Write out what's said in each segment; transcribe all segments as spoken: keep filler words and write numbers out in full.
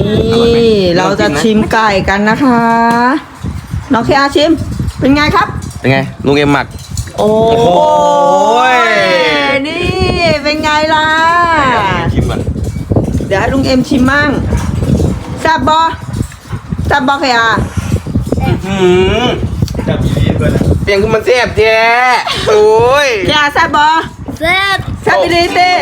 นี่เราจะชิมไก่กันนะคะน้องเคอาชิมเป็นไงครับเป็นไงลุงเอ็มหมักโอ้โหนี่เป็นไงล่ะชิมก่อนเดี๋ยวให้ลุงเอ็มชิมมั่งแซ่บบอแซ่บบอเคอาแซ่บดีเลยเสียงคือมันแซ่บแท้โอ้ยเคอาแซ่บบอแซ่บแซ่บดีเต้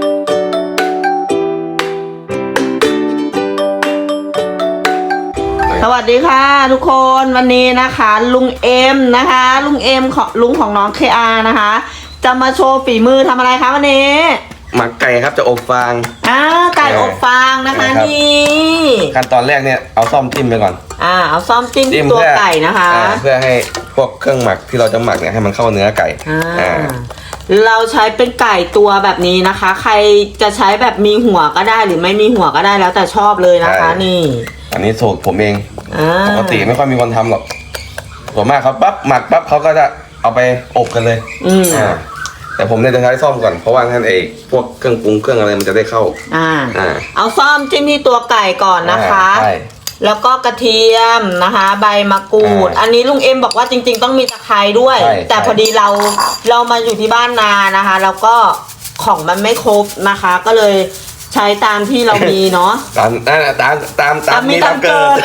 สวัสดีค่ะทุกคนวันนี้นะคะลุงเอ็มนะคะลุงเอ็มของลุงของน้องเคอานะคะจะมาโชว์ฝีมือทำอะไรคะวันนี้หมักไก่ครับจะอบฟางอ่าไก่อบฟางนะคะนี่ขั้นตอนแรกเนี่ยเอาซ่อมจิ้มไปก่อนอ่าเอาซ่อมจิ้มตัวไก่นะคะเพื่อให้พวกเครื่องหมักที่เราจะหมักเนี่ยให้มันเข้าเนื้อไก่อ่าเราใช้เป็นไก่ตัวแบบนี้นะคะ ใครจะใช้แบบมีหัวก็ได้หรือไม่มีหัวก็ได้แล้วแต่ชอบเลยนะคะนี่อันนี้สูตรผมเองปกติไม่ค่อยมีคนทำหรอกส่วนมากเขาปั๊บหมักปั๊บเขาก็จะเอาไปอบกันเลยอ่าแต่ผมเนี่ยจะใช้ซ่อมก่อนเพราะว่าท่านเองพวกเครื่องปรุงเครื่องอะไรมันจะได้เข้าอ่าอ่าเอาซ่อมจิ้มที่ตัวไก่ก่อนนะคะแล้วก็กระเทียมนะคะใบมะกรูดอันนี้ลุงเอ็มบอกว่าจริงๆต้องมีตะไคร้ด้วยแต่พอดีเราเรามาอยู่ที่บ้านนานะคะแล้วก็ของมันไม่ครบนะคะก็เลยใช้ตามที่เรามีเนาะตามตามตามตามตามมีตามเกิน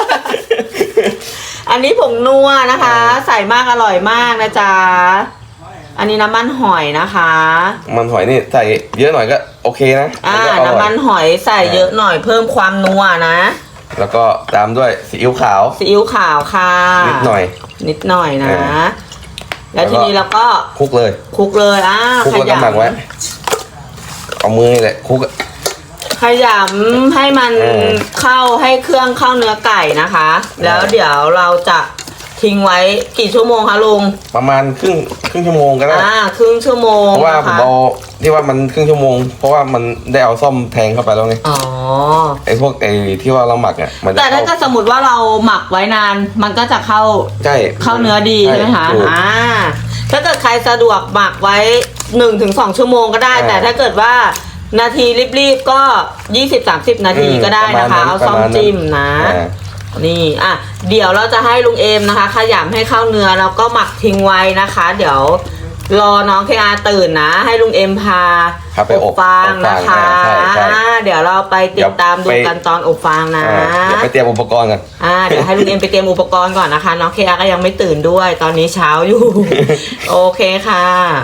อันนี้ผงนัวนะคะใส่มากอร่อยมากนะจ๊ะอันนี้น้ำมันหอยนะคะมันหอยนี่ใส่เยอะหน่อยก็โอเคนะอ่าน้ำมันหอยใส่เยอะหน่อยเพิ่มความนัวนะแล้วก็ตามด้วยซีอิ๊วขาวซีอิ๊วขาวค่ะนิดหน่อยนิดหน่อยนะแล้วทีนี้เราก็คลุกเลยคลุกเลยอ่าคลุกแล้วก็หมักไว้เอามือนี่แหละคลุกขยำให้มันเข้าให้เครื่องเข้าเนื้อไก่นะคะแล้วเดี๋ยวเราจะทิ้งไว้กี่ชั่วโมงคะลุงประมาณครึ่งครึ่งชั่วโมงก็ได้อ่าครึ่งชั่วโมงเพราะว่าผมเอาที่ว่ามันครึ่งชั่วโมงเพราะว่ามันได้เอาซ่อมแทงเข้าไปแล้วไงอ๋อไอ้พวกไอ้ที่ว่าเราหมักอ่ะแต่ถ้าก็สมมติว่าเราหมักไว้นานมันก็จะเข้าใช่เข้าเนื้อดีใช่ไหมคะอ่าถ้าเกิดใครสะดวกหมักไว้หนึ่งถึงสองชั่วโมงก็ได้แต่ถ้าเกิดว่านาทีรีบๆก็ยี่สิบสามสิบนาทีก็ได้นะคะเอาซ่อมจิ้มนะนี่อ่ะเดี๋ยวเราจะให้ลุงเอมนะคะขยำให้เข้าเนื้อแล้วก็หมักทิ้งไว้นะคะเดี๋ยวรอน้องเคอาตื่นนะให้ลุงเอมพาอบฟางนะคะเดี๋ยวเราไปติดตามดูกันตอนอบฟางนะเดี๋ยวไปเตรียมอุปกรณ์กันอ่าเดี๋ยวให้ลุงเอมไปเตรียมอุปกรณ์ก่อนนะคะน้องเคอาก็ยังไม่ตื่นด้วยตอนนี้เช้าอยู่โอเคค่ะ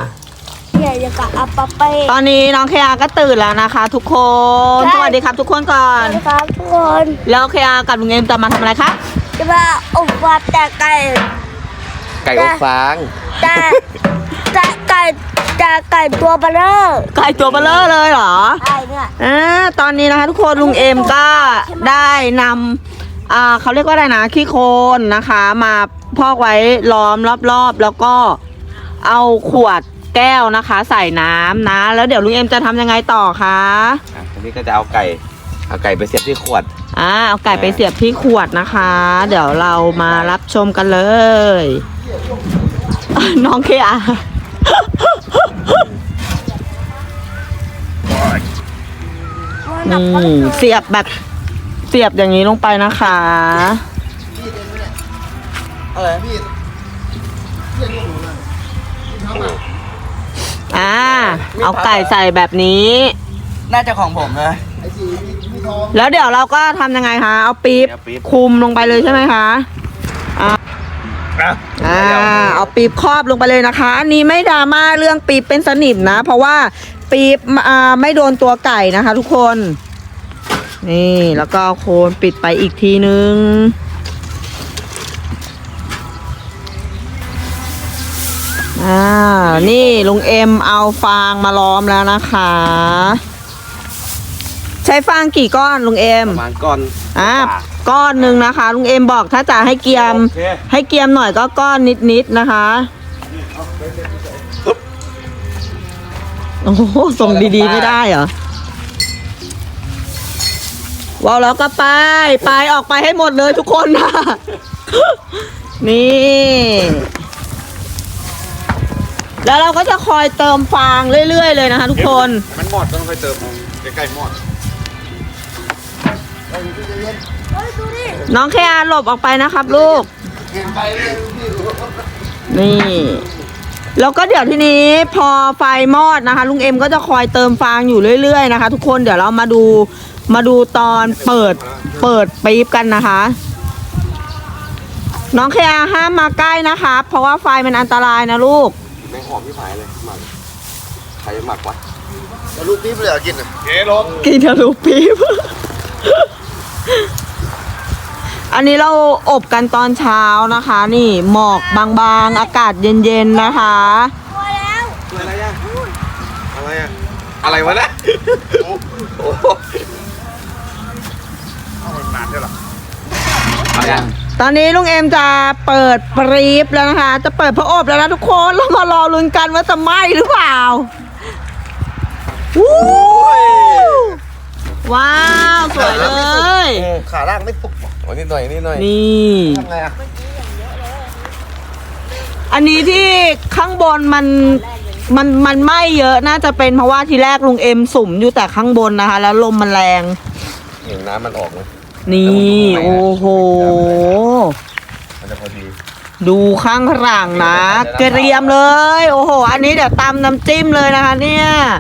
ตอนนี้น้องเคอาก็ตื่นแล้วนะคะทุกคนสวัสดีครับทุกคนก่อนสวัสดีครับทุกคนแล้วเคอากับลุงเอ็มจะมาทำอะไรครับจะมาอบฟางแต่ไก่ไก่อบฟางแต่แต่ไก่แต่ไก่ตัวเบลอไก่ตัวเบลอเลยเหรอใช่เนี่ยอ่าตอนนี้นะคะทุกคนลุงเอ็มก็ได้นำอ่าเขาเรียกว่าอะไรนะขี้โคลนนะคะมาพอกไว้ล้อมรอบๆแล้วก็เอาขวดแก้วนะคะใส่น้ำนะแล้วเดี๋ยวลุงเอ็มจะทำยังไงต่อคะอ่ะทีนี้ก็จะเอาไก่เอาไก่ไปเสียบที่ขวดอ่าเอาไก่ไปเสียบที่ขวดนะคะเดี๋ยวเรามารับชมกันเลยน้องเคอานี่เสียบแบบเสียบอย่างนี้ลงไปนะคะอะไรพี่อ่าเอาไก่ใส่แบบนี้น่าจะของผมนะแล้วเดี๋ยวเราก็ทำยังไงคะเอาปี๊บคุมลงไปเลยใช่ไหมคะอ่าอ่าเอาปี๊บครอบลงไปเลยนะคะอันนี้ไม่ดราม่าเรื่องปี๊บเป็นสนิมนะเพราะว่าปี๊บอ่าไม่โดนตัวไก่นะคะทุกคนนี่แล้วก็โคนปิดไปอีกทีนึงอ่านี่ลุงเอ็มเอาฟางมาล้อมแล้วนะคะใช้ฟางกี่ก้อนลุงเอ็มประมาณก้อนอ่าก้อนหนึ่งนะคะลุงเอ็มบอกถ้าจะให้เกียมให้เกียมหน่อยก็ก้อนนิดๆนะคะโอ้โหส่งดีๆไม่ได้เหรอว้าวแล้วก็ไปไปออกไปให้หมดเลยทุกคนนะนี่แล้วเราก็จะคอยเติมฟางเรื่อยๆเลยนะคะทุกคนมันหมดต้องคอยเติมใกล้ๆหมดน้องแคอาหลบออกไปนะครับลูก นี่ แล้วก็เดี๋ยวทีนี้พอไฟมอดนะคะ ลุงเอ็มก็จะคอยเติมฟางอยู่เรื่อยๆนะคะ ทุกคนเดี๋ยวเรามาดูมาดูตอนเปิดเปิดปี๊บกันนะคะ น้องแคอาห้ามมาใกล้นะคะ เพราะว่าไฟมันอันตรายนะลูกแม่งหอมที่ผายเลยหมักใครหมักวะลูกปี๊บเลยเหรอกินอ่ะเก๋รถกินทะลุปี๊บ อันนี้เราอบกันตอนเช้านะคะ นี่หมอกบางๆ อากาศเย็นๆนะคะพอแล้วอะไรอะอะไรอะอะไรวะเนี่ยโอ้โหนานใช่หรออะไรอะตอนนี้ลุงเอ็มจะเปิดปรี๊บแล้วนะคะ จะเปิดพระอบแล้วนะทุกคนเรามารอลุ้นกันว่าจะไหม้หรือเปล่าวู้ว้าวสวยเลยขาล่างไม่ปุกโอ้นิดหน่อยนิดหน่อยนี่ทำไงอ่ะอันนี้ที่ข้างบนมันมันมันไหม้เยอะน่าจะเป็นเพราะว่าทีแรกลุงเอ็มสุ่มอยู่แต่ข้างบนนะคะ แล้วลมมันแรงเห็นน้ำมันออกไหมนี่โอ้โหมันจะพอดีดูข้างหลังนะเกรียมเลย โอ้โห อันนี้เดี๋ยวตำน้ำจิ้มเลยนะคะ เนี่ย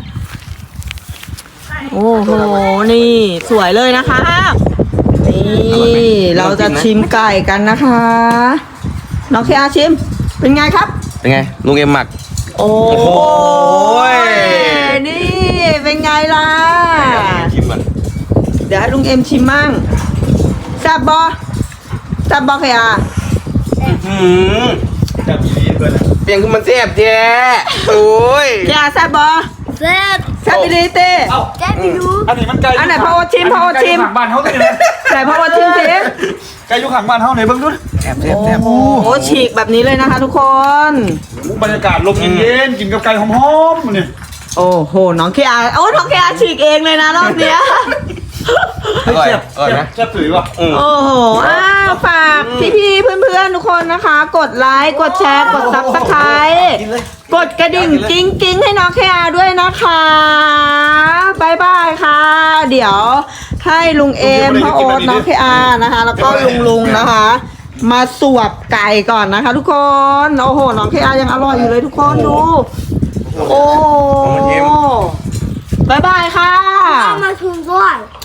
โอ้โห นี่สวยเลยนะคะ นี่เราจะชิมไก่กันนะคะ น้องเคอาชิม เป็นไงครับเป็นไงลุงเอ็มหมักโอ้โอ้โหนี่ เป็นไงล่ะชิมมันเดี๋ยวให้ลุงเอ็มชิมมั่งแซ่บบอแซ่บบอเคอาอืมเปลี่ยนคือมันแซ่บแท้โอ้ยเคอาแซ่บบอเสร็จแซ่บดีเต้แจ๊บไปดูอันนี้มันไก่อันไหนพ่อชิมพ่อชิมไก่อยู่ข้างบ้านเขาเลยนะไหนพ่อชิมสิไก่อยู่ข้างบ้านเขาไหนเบิ่งดูแซ่บแซ่บแซ่บโอ้โหฉีกแบบนี้เลยนะคะทุกคนบรรยากาศลมเย็นๆกินกับไก่หอมๆนี่โอ้โห น้องเคอาโอ้น้องเคอาฉีกเองเลยนะรอบเนี้ยอร่อยเจ็บอร่อยนะเจ็บถือว่ะอืมโอ้โหอ้าวฝากพี่ๆเพื่อนๆทุกคนนะคะ กดไลค์ กดแชร์ กดซับสไครต์กดกระดิ่งกิ้งกิ้งให้น้องเคอาด้วยนะคะบายบายค่ะ เดี๋ยวให้ลุงเอมพ่อโอ๊ตน้องเคอานะคะ แล้วก็ลุงลุงนะคะ มาสวบไก่ก่อนนะคะ ทุกคน โอ้โห น้องเคอายังอร่อยอยู่เลยทุกคนดู โอ้โหบายบายค่ะเอามาชุมด้วย